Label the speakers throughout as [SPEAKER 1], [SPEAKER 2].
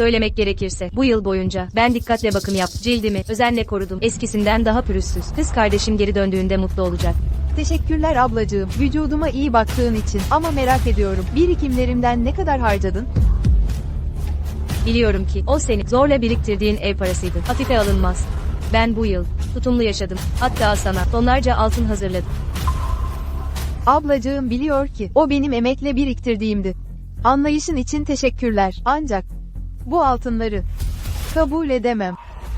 [SPEAKER 1] Söylemek gerekirse, bu yıl boyunca, ben dikkatle bakım yap, cildimi, özenle korudum, eskisinden daha pürüzsüz. Kız kardeşim geri döndüğünde mutlu olacak.
[SPEAKER 2] Teşekkürler ablacığım, vücuduma iyi baktığın için. Ama merak ediyorum, birikimlerimden ne kadar harcadın?
[SPEAKER 1] Biliyorum ki, o senin, zorla biriktirdiğin ev parasıydı. Hafife alınmaz. Ben bu yıl, tutumlu yaşadım. Hatta sana, tonlarca altın hazırladım.
[SPEAKER 2] Ablacığım biliyor ki, o benim emekle biriktirdiğimdi. Anlayışın için teşekkürler. Ancak, bu altınları, kabul edemem.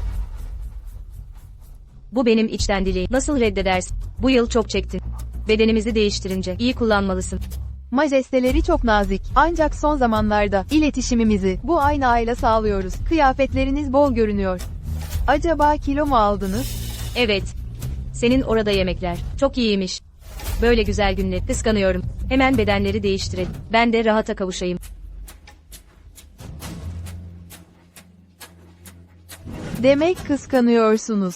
[SPEAKER 1] Bu benim içtenliğim. Nasıl reddedersin? Bu yıl çok çektin. Bedenimizi değiştirince, iyi kullanmalısın.
[SPEAKER 2] Majesteleri çok nazik. Ancak son zamanlarda, iletişimimizi, bu aynı ayla sağlıyoruz. Kıyafetleriniz bol görünüyor. Acaba kilo mu aldınız?
[SPEAKER 1] Evet. Senin orada yemekler, çok iyiymiş. Böyle güzel günler, kıskanıyorum. Hemen bedenleri değiştirelim. Ben de rahata kavuşayım.
[SPEAKER 2] Demek kıskanıyorsunuz.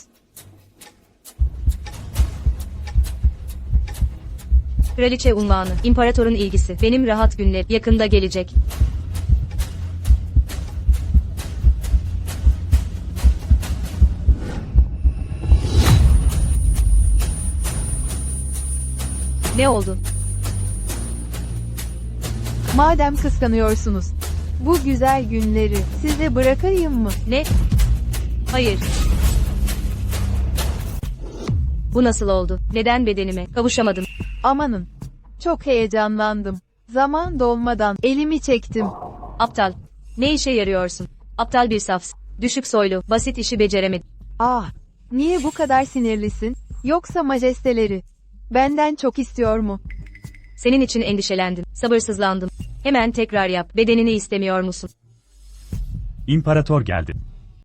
[SPEAKER 1] Kraliçe unvanı, imparatorun ilgisi, benim rahat günler, yakında gelecek. Ne oldu?
[SPEAKER 2] Madem kıskanıyorsunuz, bu güzel günleri size bırakayım mı?
[SPEAKER 1] Ne? Hayır. Bu nasıl oldu? Neden bedenime kavuşamadım?
[SPEAKER 2] Amanın. Çok heyecanlandım. Zaman dolmadan elimi çektim.
[SPEAKER 1] Aptal. Ne işe yarıyorsun? Aptal bir safsın. Düşük soylu, basit işi beceremedin.
[SPEAKER 2] Ah, niye bu kadar sinirlisin? Yoksa majesteleri benden çok istiyor mu?
[SPEAKER 1] Senin için endişelendim, sabırsızlandım. Hemen tekrar yap. Bedenini istemiyor musun?
[SPEAKER 3] İmparator geldi.